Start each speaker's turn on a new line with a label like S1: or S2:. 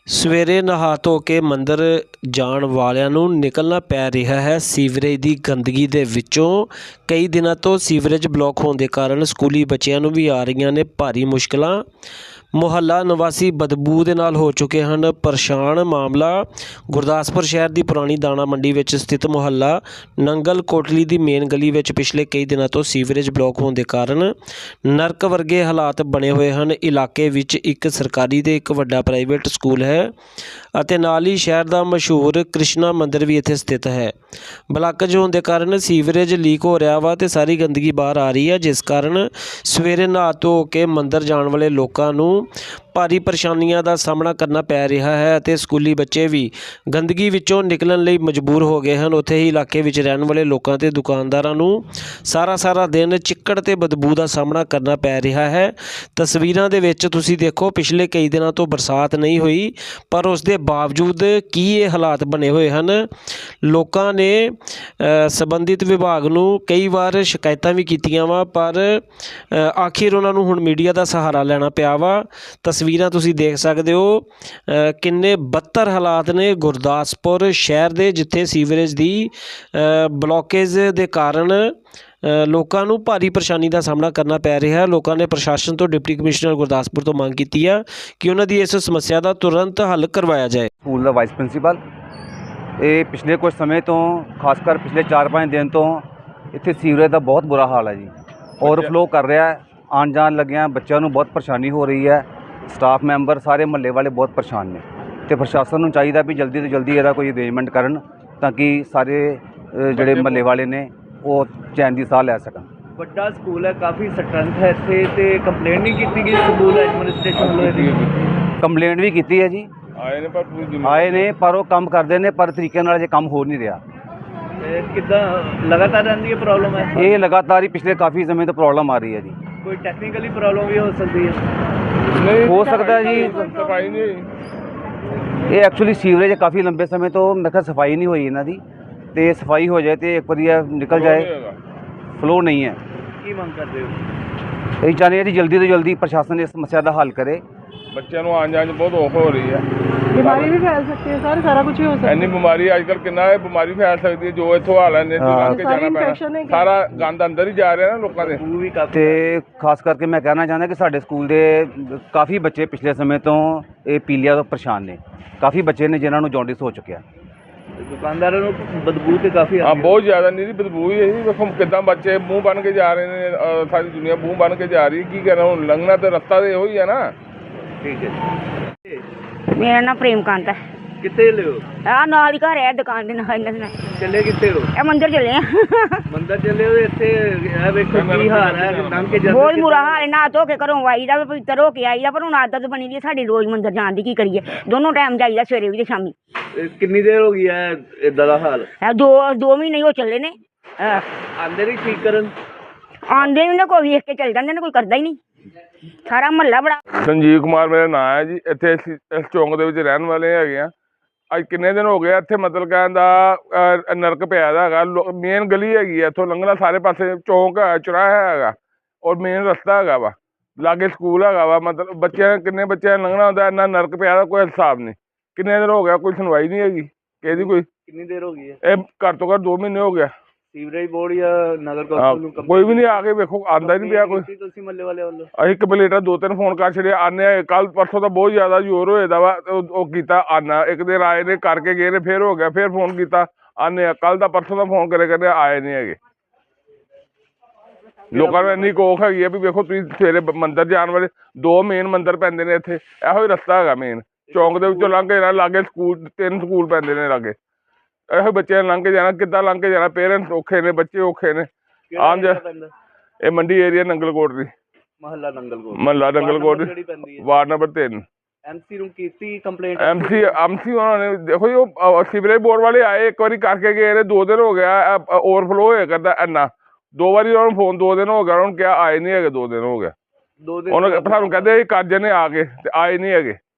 S1: ਸਵੇਰੇ ਨਹਾ ਧੋ ਕੇ ਮੰਦਰ ਜਾਣ ਵਾਲਿਆਂ ਨੂੰ ਨਿਕਲਣਾ ਪੈ ਰਿਹਾ ਹੈ ਸੀਵਰੇਜ ਦੀ ਗੰਦਗੀ ਦੇ ਵਿੱਚੋਂ। ਕਈ ਦਿਨਾਂ ਤੋਂ ਸੀਵਰੇਜ ਬਲਾਕ ਹੋਣ ਦੇ ਕਾਰਨ ਸਕੂਲੀ ਬੱਚਿਆਂ ਨੂੰ ਵੀ ਆ ਰਹੀਆਂ ਨੇ ਭਾਰੀ ਮੁਸ਼ਕਲਾਂ। ਮੁਹੱਲਾ ਨਿਵਾਸੀ ਬਦਬੂ ਦੇ ਨਾਲ ਹੋ ਚੁੱਕੇ ਹਨ ਪਰੇਸ਼ਾਨ। ਮਾਮਲਾ ਗੁਰਦਾਸਪੁਰ ਸ਼ਹਿਰ ਦੀ ਪੁਰਾਣੀ ਦਾਣਾ ਮੰਡੀ ਵਿੱਚ ਸਥਿਤ ਮੁਹੱਲਾ ਨੰਗਲ ਕੋਟਲੀ ਦੀ ਮੇਨ ਗਲੀ ਵਿੱਚ ਪਿਛਲੇ ਕਈ ਦਿਨਾਂ ਤੋਂ ਸੀਵਰੇਜ ਬਲਾਕ ਹੋਣ ਦੇ ਕਾਰਨ ਨਰਕ ਵਰਗੇ ਹਾਲਾਤ ਬਣੇ ਹੋਏ ਹਨ। ਇਲਾਕੇ ਵਿੱਚ ਇੱਕ ਸਰਕਾਰੀ ਤੇ ਇੱਕ ਵੱਡਾ ਪ੍ਰਾਈਵੇਟ ਸਕੂਲ ਹੈ ਅਤੇ ਨਾਲ ਹੀ ਸ਼ਹਿਰ ਦਾ ਮਸ਼ਹੂਰ ਕ੍ਰਿਸ਼ਨਾ ਮੰਦਿਰ ਵੀ ਇੱਥੇ ਸਥਿਤ ਹੈ। ਬਲਾਕੇਜ ਹੋਣ ਦੇ ਕਾਰਨ ਸੀਵਰੇਜ ਲੀਕ ਹੋ ਰਿਹਾ ਵਾ ਤੇ ਸਾਰੀ ਗੰਦਗੀ ਬਾਹਰ ਆ ਰਹੀ ਹੈ, ਜਿਸ ਕਾਰਨ ਸਵੇਰੇ ਨਹਾ ਧੋ ਕੇ ਮੰਦਿਰ ਜਾਣ ਵਾਲੇ ਲੋਕਾਂ ਨੂੰ ਭਾਰੀ ਪਰੇਸ਼ਾਨੀਆਂ ਦਾ ਸਾਹਮਣਾ ਕਰਨਾ ਪੈ ਰਿਹਾ ਹੈ ਅਤੇ ਸਕੂਲੀ ਬੱਚੇ ਵੀ ਗੰਦਗੀ ਵਿੱਚੋਂ ਨਿਕਲਣ ਲਈ ਮਜਬੂਰ ਹੋ ਗਏ ਹਨ। ਉੱਥੇ ਹੀ ਇਲਾਕੇ ਵਿੱਚ ਰਹਿਣ ਵਾਲੇ ਲੋਕਾਂ ਤੇ ਦੁਕਾਨਦਾਰਾਂ ਨੂੰ ਸਾਰਾ ਦਿਨ ਚਿੱਕੜ ਤੇ ਬਦਬੂ ਦਾ ਸਾਹਮਣਾ ਕਰਨਾ ਪੈ ਰਿਹਾ ਹੈ। ਤਸਵੀਰਾਂ ਦੇ ਵਿੱਚ ਤੁਸੀਂ ਦੇਖੋ, ਪਿਛਲੇ ਕਈ ਦਿਨਾਂ ਤੋਂ ਬਰਸਾਤ ਨਹੀਂ ਹੋਈ, ਪਰ ਉਸ ਦੇ ਬਾਵਜੂਦ ਕੀ ਇਹ ਹਾਲਾਤ ਬਣੇ ਹੋਏ ਹਨ। ਲੋਕਾਂ ਨੇ ਸੰਬੰਧਿਤ ਵਿਭਾਗ ਨੂੰ ਕਈ ਵਾਰ ਸ਼ਿਕਾਇਤਾਂ ਵੀ ਕੀਤੀਆਂ ਵਾ, ਪਰ ਆਖਿਰ ਉਹਨਾਂ ਨੂੰ ਹੁਣ ਮੀਡੀਆ ਦਾ ਸਹਾਰਾ ਲੈਣਾ ਪਿਆ ਵਾ। ਤਸਵੀਰਾਂ ਤੁਸੀਂ ਦੇਖ ਸਕਦੇ ਹੋ ਕਿੰਨੇ ਬੱਤਰ ਹਾਲਾਤ ਨੇ ਗੁਰਦਾਸਪੁਰ ਸ਼ਹਿਰ ਦੇ, ਜਿੱਥੇ ਸੀਵਰੇਜ ਦੀ ਬਲੋਕੇਜ ਦੇ ਕਾਰਨ ਲੋਕਾਂ ਨੂੰ ਭਾਰੀ ਪਰੇਸ਼ਾਨੀ ਦਾ ਸਾਹਮਣਾ ਕਰਨਾ ਪੈ ਰਿਹਾ ਹੈ। ਲੋਕਾਂ ਨੇ ਪ੍ਰਸ਼ਾਸਨ ਤੋਂ ਡਿਪਟੀ ਕਮਿਸ਼ਨਰ ਗੁਰਦਾਸਪੁਰ ਤੋਂ ਮੰਗ ਕੀਤੀ ਆ ਕਿ ਉਹਨਾਂ ਦੀ ਇਸ ਸਮੱਸਿਆ ਦਾ ਤੁਰੰਤ ਹੱਲ ਕਰਵਾਇਆ ਜਾਏ।
S2: ਸਕੂਲ ਦਾ ਵਾਈਸ ਪ੍ਰਿੰਸੀਪਲ ਇਹ ਪਿਛਲੇ ਕੁਝ ਸਮੇਂ ਤੋਂ, ਖਾਸ ਕਰ ਪਿਛਲੇ 4-5 ਦਿਨ ਤੋਂ ਇੱਥੇ ਸੀਵਰੇਜ ਦਾ ਬਹੁਤ ਬੁਰਾ ਹਾਲ ਹੈ ਜੀ। ਓਵਰਫਲੋ ਕਰ ਰਿਹਾ ਹੈ, ਆਉਣ ਜਾਣ ਲੱਗਿਆਂ ਬੱਚਿਆਂ ਨੂੰ ਬਹੁਤ ਪਰੇਸ਼ਾਨੀ ਹੋ ਰਹੀ ਹੈ। ਸਟਾਫ ਮੈਂਬਰ ਸਾਰੇ ਮਹੱਲੇ ਵਾਲੇ ਬਹੁਤ ਪਰੇਸ਼ਾਨ ਨੇ ਅਤੇ ਪ੍ਰਸ਼ਾਸਨ ਨੂੰ ਚਾਹੀਦਾ ਵੀ ਜਲਦੀ ਤੋਂ ਜਲਦੀ ਇਹਦਾ ਕੋਈ ਅਰੇਂਜਮੈਂਟ ਕਰਨ ਤਾਂ ਕਿ ਸਾਰੇ ਜਿਹੜੇ ਮਹੱਲੇ ਵਾਲੇ ਨੇ ਉਹ ਚੈਨ ਦੀ ਸਾਹ ਲੈ ਸਕਣ।
S3: ਵੱਡਾ ਸਕੂਲ ਹੈ, ਕਾਫੀ ਸਟਰੈਂਥ ਹੈ ਇੱਥੇ, ਤੇ ਕੰਪਲੇਂਟ ਨਹੀਂ ਕੀਤੀ ਗਈ ਸਕੂਲ ਐਡਮਿਨਿਸਟ੍ਰੇਸ਼ਨ ਵੱਲੋਂ ਇਹਦੀ?
S2: ਕੰਪਲੇਂਟ ਵੀ ਕੀਤੀ ਹੈ ਜੀ, ਆਏ ਨੇ ਪਰ ਉਹ ਕੰਮ ਕਰਦੇ ਨੇ, ਪਰ ਤਰੀਕੇ ਨਾਲ ਜੇ ਕੰਮ ਹੋ ਨਹੀਂ ਰਿਹਾ।
S3: ਕਿੱਦਾਂ ਲਗਾਤਾਰ ਰਹਿੰਦੀ ਹੈ ਪ੍ਰੋਬਲਮ ਹੈ?
S2: ਇਹ ਲਗਾਤਾਰ ਹੀ ਪਿਛਲੇ ਕਾਫੀ ਸਮੇਂ ਤੋਂ ਪ੍ਰੋਬਲਮ ਆ ਰਹੀ ਹੈ ਜੀ।
S3: ਕੋਈ ਟੈਕਨੀਕਲੀ ਪ੍ਰੋਬਲਮ ਵੀ ਹੋ ਸਕਦੀ ਹੈ?
S2: ਨਹੀਂ ਹੋ ਸਕਦਾ ਜੀ, ਸਫਾਈ ਨਹੀਂ ਹੋਈ। ਇਹ ਐਕਚੁਅਲੀ ਸੀਵਰੇਜ ਕਾਫੀ ਲੰਬੇ ਸਮੇਂ ਤੋਂ ਮੈਂ ਕਿਹਾ ਸਫਾਈ ਨਹੀਂ ਹੋਈ ਇਹਨਾਂ ਦੀ, ਤੇ ਸਫਾਈ ਹੋ ਜਾਏ ਤੇ ਇੱਕ ਵਾਰੀ ਨਿਕਲ ਜਾਏ, ਫਲੋ ਨਹੀਂ ਹੈ।
S3: ਕੀ ਮੰਗ ਕਰਦੇ ਹੋ?
S2: ਇਹ ਚਾਹੁੰਦੇ ਹਾਂ ਜੀ ਜਲਦੀ ਤੋਂ ਜਲਦੀ ਪ੍ਰਸ਼ਾਸਨ ਇਸ ਸਮੱਸਿਆ ਦਾ ਹੱਲ ਕਰੇ।
S4: ਬੱਚਿਆਂ ਨੂੰ ਆਉਣ ਜਾਣ 'ਚ ਬਹੁਤ ਔਖ ਹੋ ਰਹੀ ਹੈ।
S3: ਬਿਮਾਰੀ ਵੀ ਫੈਲ ਸਕਦੀ ਹੈ ਸਰ, ਸਾਰਾ ਕੁਝ ਹੀ ਹੋ ਸਕਦਾ ਹੈ।
S4: ਇੰਨੀ ਬਿਮਾਰੀ ਅੱਜ ਕੱਲ੍ਹ ਕਿੰਨਾ ਹੈ, ਬਿਮਾਰੀ ਫੈਲ ਸਕਦੀ ਹੈ। ਜੋ ਇੱਥੋਂ ਹਾਲ ਹੈ ਨੇ ਲੰਘ ਕੇ ਜਾਣਾ ਪੈਣਾ, ਸਾਰਾ ਗੰਦ ਅੰਦਰ ਹੀ ਜਾ ਰਿਹਾ ਨਾ ਲੋਕਾਂ ਦੇ।
S3: ਉਹ ਵੀ ਕਾਫੀ,
S2: ਤੇ ਖਾਸ ਕਰਕੇ ਮੈਂ ਕਹਿਣਾ ਚਾਹੁੰਦਾ ਕਿ ਸਾਡੇ ਸਕੂਲ ਦੇ ਕਾਫੀ ਬੱਚੇ ਪਿਛਲੇ ਸਮੇਂ ਤੋਂ ਇਹ ਪੀਲੀਆ ਤੋਂ ਪਰੇਸ਼ਾਨ ਨੇ। ਕਾਫੀ ਬੱਚੇ ਨੇ ਜਿਨ੍ਹਾਂ ਨੂੰ ਜੌਂਡਿਸ ਹੋ ਚੁੱਕਿਆ।
S3: ਦੁਕਾਨਦਾਰਾਂ ਨੂੰ ਬਦਬੂ ਤੇ ਕਾਫੀ
S4: ਹਾਂ, ਬਹੁਤ ਜ਼ਿਆਦਾ ਨਹੀਂ ਬਦਬੂ ਹੀ ਹੈ ਜੀ। ਵੇਖੋ ਕਿੱਦਾਂ ਬੱਚੇ ਮੂੰਹ ਬਣ ਕੇ ਜਾ ਰਹੇ ਨੇ, ਸਾਰੀ ਦੁਨੀਆ ਮੂੰਹ ਬਣ ਕੇ ਜਾ ਰਹੀ। ਕੀ ਕਹਿਣਾ, ਹੁਣ ਲੰਘਣਾ ਤੇ ਰਸਤਾ ਤੇ ਇਹੋ ਹੀ ਹੈ ਨਾ।
S3: ਠੀਕ ਹੈ।
S5: ਮੇਰਾ ਨਾਮ ਪ੍ਰੇਮਕਾਂਤ ਹੈ।
S3: ਕਿੱਥੇ ਲਿਓ?
S5: ਆ ਨਾਲ ਹੀ ਘਰ ਹੈ, ਦੁਕਾਨ ਦੇ ਨਾਲ।
S3: ਚੱਲੇ ਕਿੱਥੇ ਹੋ?
S5: ਇਹ ਮੰਦਿਰ ਚੱਲੇ ਆ।
S3: ਮੰਦਰ ਚੱਲੇ ਹੋ? ਇੱਥੇ ਇਹ ਵੇਖੋ ਕੀ ਹਾਲ ਹੈ, ਲੰਘ ਕੇ ਜਾਂਦੇ।
S5: ਬਹੁਤ ਬੁਰਾ ਹਾਲ ਹੈ, ਨਾ ਧੋ ਕੇ ਘਰੋਂ ਆਈਦਾ, ਪਵਿੱਤਰ ਹੋ ਕੇ ਆਈਦਾ, ਪਰ ਹੁਣ ਆਦਤ ਬਣੀ ਦੀ ਸਾਡੀ ਰੋਜ਼ ਮੰਦਿਰ ਜਾਣ ਦੀ। ਕੀ ਕਰੀਏ, ਦੋਨੋਂ ਟਾਈਮ ਜਾਈਦਾ, ਸਵੇਰੇ ਵੀ ਤੇ ਸ਼ਾਮੀ।
S3: ਕਿੰਨੀ ਦੇਰ ਹੋ ਗਈ ਹੈ ਇਦਾਂ ਦਾ ਹਾਲ?
S5: ਇਹ ਦੋ ਮਹੀਨੇ ਹੋ ਚੱਲੇ ਨੇ।
S3: ਆਂਦੇ ਨਹੀਂ ਠੀਕ ਕਰਨ?
S5: ਆਉਂਦੇ ਨੇ, ਕੋਈ ਵੇਖ ਕੇ ਚੱਲ ਜਾਂਦੇ ਨੇ, ਕੋਈ ਕਰਦਾ ਹੀ ਨਹੀਂ। ਸਾਰਾ ਮਹੱਲਾ ਬੜਾ।
S4: ਸੰਜੀਵ ਕੁਮਾਰ ਮੇਰਾ ਨਾਂ ਹੈ ਜੀ। ਇੱਥੇ ਅਸੀਂ ਇਸ ਚੌਂਕ ਦੇ ਵਿੱਚ ਰਹਿਣ ਵਾਲੇ ਹੈਗੇ ਆ। ਅੱਜ ਕਿੰਨੇ ਦਿਨ ਹੋ ਗਏ ਇੱਥੇ, ਮਤਲਬ ਕਹਿਣ ਦਾ ਨਰਕ ਪਿਆ ਦਾ ਹੈਗਾ। ਮੇਨ ਗਲੀ ਹੈਗੀ ਆ, ਇੱਥੋਂ ਲੰਘਣਾ ਸਾਰੇ ਪਾਸੇ ਚੌਂਕ ਹੈ, ਚੁਰਾਹਾ ਹੈਗਾ ਔਰ ਮੇਨ ਰਸਤਾ ਹੈਗਾ ਵਾ, ਲਾਗੇ ਸਕੂਲ ਹੈਗਾ ਵਾ। ਮਤਲਬ ਬੱਚਿਆਂ ਕਿੰਨੇ ਬੱਚਿਆਂ ਨੇ ਲੰਘਣਾ ਹੁੰਦਾ, ਇੰਨਾ ਨਰਕ ਪਿਆ ਦਾ ਕੋਈ ਹਿਸਾਬ ਨਹੀਂ। ਕਿੰਨੇ ਦਿਨ ਹੋ ਗਿਆ, ਕੋਈ ਸੁਣਵਾਈ ਨਹੀਂ ਹੈਗੀ ਕਿਹਦੀ। ਕੋਈ
S3: ਕਿੰਨੀ ਦੇਰ ਹੋ ਗਈ ਹੈ?
S4: ਇਹ ਘੱਟ ਤੋਂ ਘੱਟ 2 ਮਹੀਨੇ ਹੋ ਗਿਆ।
S3: ਸੀਵਰੇਜ ਬੋਰਡ ਜਾਂ ਨਗਰ ਕੌਂਸਲ ਨੂੰ
S4: ਕੋਈ ਵੀ ਨਹੀਂ ਆ ਕੇ ਵੇਖੋ, ਆਉਂਦਾ ਹੀ ਨਹੀਂ ਪਿਆ ਕੋਈ।
S3: ਤੁਸੀਂ ਮੱਲੇ ਵਾਲੇ ਵੱਲੋਂ?
S4: ਅਸੀਂ ਕੰਪਲੇਂਟਾਂ 2-3 ਫੋਨ ਕਰ ਛੱਡੇ। ਆਨੇ ਕੱਲ ਪਰਸੋਂ ਤਾਂ ਬਹੁਤ ਜ਼ਿਆਦਾ ਜ਼ੋਰ ਹੋਏ ਦਾ ਵਾ, ਉਹ ਕੀਤਾ ਆਨਾ। ਇੱਕ ਦਿਨ ਆਏ ਨੇ, ਕਰਕੇ ਗਏ ਨੇ, ਫਿਰ ਹੋ ਗਿਆ, ਫਿਰ ਫੋਨ ਕੀਤਾ ਆਨੇ। ਕੱਲ ਦਾ ਪਰਸੋਂ ਦਾ ਫੋਨ ਕਰੇ ਆਏ ਨਹੀਂ ਹੈਗੇ। ਲੋਕਾਂ ਨੂੰ ਇੰਨੀ ਕੋਖ ਹੈਗੀ ਆ ਵੀ ਵੇਖੋ ਤੁਸੀਂ, ਸਵੇਰੇ ਮੰਦਿਰ ਜਾਣ ਵਾਲੇ 2 ਮੇਨ ਮੰਦਿਰ ਪੈਂਦੇ ਨੇ ਇੱਥੇ। ਇਹੋ ਹੀ ਰਸਤਾ ਹੈਗਾ ਮੇਨ ਚੌਂਕ ਦੇ ਵਿੱਚੋਂ ਲੰਘ ਕੇ ਜਾਣਾ। ਲਾਗੇ ਸਕੂਲ 3 ਸਕੂਲ ਪੈਂਦੇ ਨੇ ਲਾਗੇ। ਇਹੋ ਬੱਚਿਆਂ ਨੇ ਲੰਘ ਕੇ ਜਾਣਾ, ਕਿੱਦਾਂ ਲੰਘ ਕੇ ਜਾਣਾ? ਪੇਰੈਂਟਸ ਔਖੇ ਨੇ, ਬੱਚੇ ਔਖੇ ਨੇ। ਆਮ ਜਾ ਇਹ ਮੰਡੀ ਏਰੀਆ ਨੰਗਲਕੋਟ ਦੀ,
S3: ਮਹੱਲਾ ਨੰਗਲਕੋਟ,
S4: ਮਹੱਲਾ ਨੰਗਲਕੋਟ, ਵਾਰਡ ਨੰਬਰ 3।
S3: ਐਮਸੀ ਨੂੰ ਕੀਤੀ ਕੰਪਲੇਂਟ?
S4: ਐਮਸੀ ਉਹਨਾਂ ਨੇ ਦੇਖੋ ਜੀ, ਉਹ ਸੀਵਰੇਜ ਬੋਰਡ ਵਾਲੇ ਆਏ, ਇੱਕ ਵਾਰੀ ਕਰਕੇ ਗਏ ਨੇ। 2 ਦਿਨ ਹੋ ਗਿਆ ਓਵਰਫਲੋ ਹੋਇਆ ਕਰਦਾ ਇੰਨਾ। 2 ਵਾਰੀ ਉਹਨਾਂ ਨੂੰ ਫੋਨ, 2 ਦਿਨ ਹੋ ਗਿਆ ਉਹਨਾਂ ਨੂੰ ਕਿਹਾ, ਆਏ ਨਹੀਂ ਹੈਗੇ। 2 ਦਿਨ ਹੋ ਗਿਆ।
S3: 2 ਦਿਨ
S4: ਉਹਨਾਂ ਸਾਨੂੰ ਕਹਿੰਦੇ ਕਰ ਜਨੇ ਆ ਕੇ, ਤੇ ਆਏ ਨਹੀਂ ਹੈਗੇ।